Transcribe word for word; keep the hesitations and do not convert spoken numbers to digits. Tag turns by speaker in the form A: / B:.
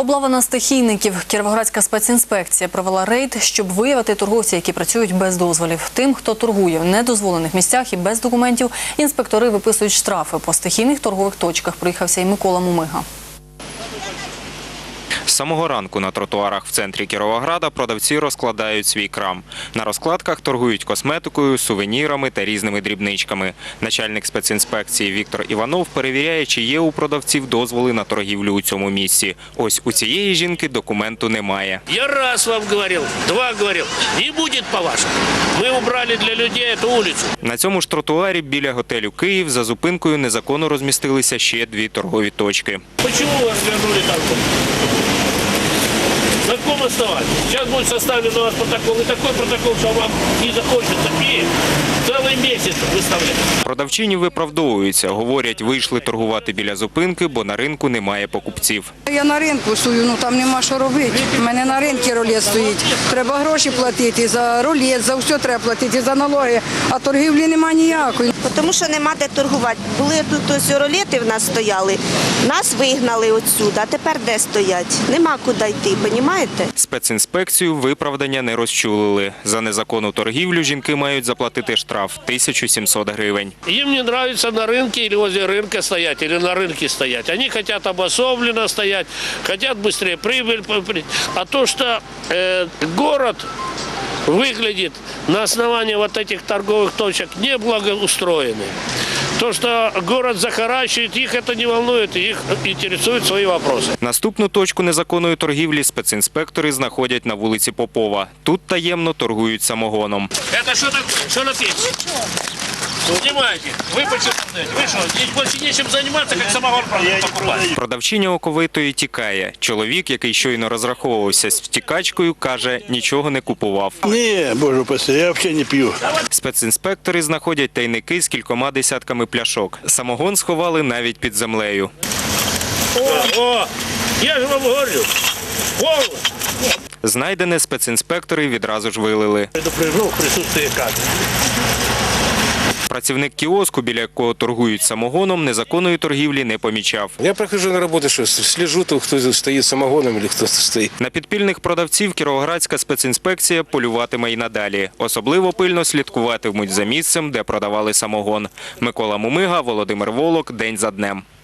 A: Облава на стихійників. Кіровоградська спецінспекція провела рейд, щоб виявити торговців, які працюють без дозволів. Тим, хто торгує в недозволених місцях і без документів, інспектори виписують штрафи. По стихійних торгових точках проїхався і Микола Мумига.
B: З самого ранку на тротуарах в центрі Кіровограда продавці розкладають свій крам. На розкладках торгують косметикою, сувенірами та різними дрібничками. Начальник спецінспекції Віктор Іванов перевіряє, чи є у продавців дозволи на торгівлю у цьому місці. Ось у цієї жінки документу немає.
C: Я раз вам говорив, два говорив, не буде по-вашому. Ми убрали для людей цю вулицю.
B: На цьому ж тротуарі біля готелю «Київ» за зупинкою незаконно розмістилися ще дві торгові точки.
C: Чому ви розвернули так? На каком основании? Сейчас будет составлен у вас протокол, и такой протокол, что вам не захочется и целый месяц выставлять.
B: Продавчині виправдовуються. Говорять, вийшли торгувати біля зупинки, бо на ринку немає покупців.
D: Я на ринку стою, ну там нема що робити. У мене на ринку рулет стоїть. Треба гроші платити за рулет, за все треба платити, за налоги, а торгівлі нема ніякої.
E: Тому що нема де торгувати. Були тут ось рулети в нас стояли, нас вигнали отсюди, а тепер де стоять? Нема куди йти, розумієте?
B: Спецінспекцію виправдання не розчулили. За незаконну торгівлю жінки мають заплатити штраф – тисячу сімсот гривень.
C: Им не нравится на рынке или возле рынка стоять, или на рынке стоять. Они хотят обособленно стоять, хотят быстрее прибыль. А то, что э, город выглядит на основании вот этих торговых точек неблагоустроенный. То, что город захаращивает, их это не волнует, их интересуют свои вопросы.
B: Наступну точку незаконної торгівлі спецінспектори знаходять на вулиці Попова. Тут таємно торгують самогоном.
C: Это что такое? Что написано? Снимайте. Вы почему? Вы что, здесь больше нечем заниматься, как самогон покупать?
B: Продавчиня оковитої тікає. Чоловік, який щойно розраховувався з втікачкою, каже, нічого не купував.
F: Ні, боже упаси, я взагалі не п'ю.
B: Спецінспектори знаходять тайники з кількома десятками пляшок. Самогон сховали навіть під землею.
C: О, о, я ж вам говорю. Повно.
B: Знайдене спецінспектори відразу ж вилили.
C: Предупрежу присутствие кадрів.
B: Працівник кіоску, біля якого торгують самогоном, незаконної торгівлі не помічав.
G: Я прохожу на роботу, що слежу, то хто стоїть самогоном або хто стоїть.
B: На підпільних продавців Кіровоградська спецінспекція полюватиме й надалі. Особливо пильно слідкуватимуть за місцем, де продавали самогон. Микола Мумига, Володимир Волок. День за днем.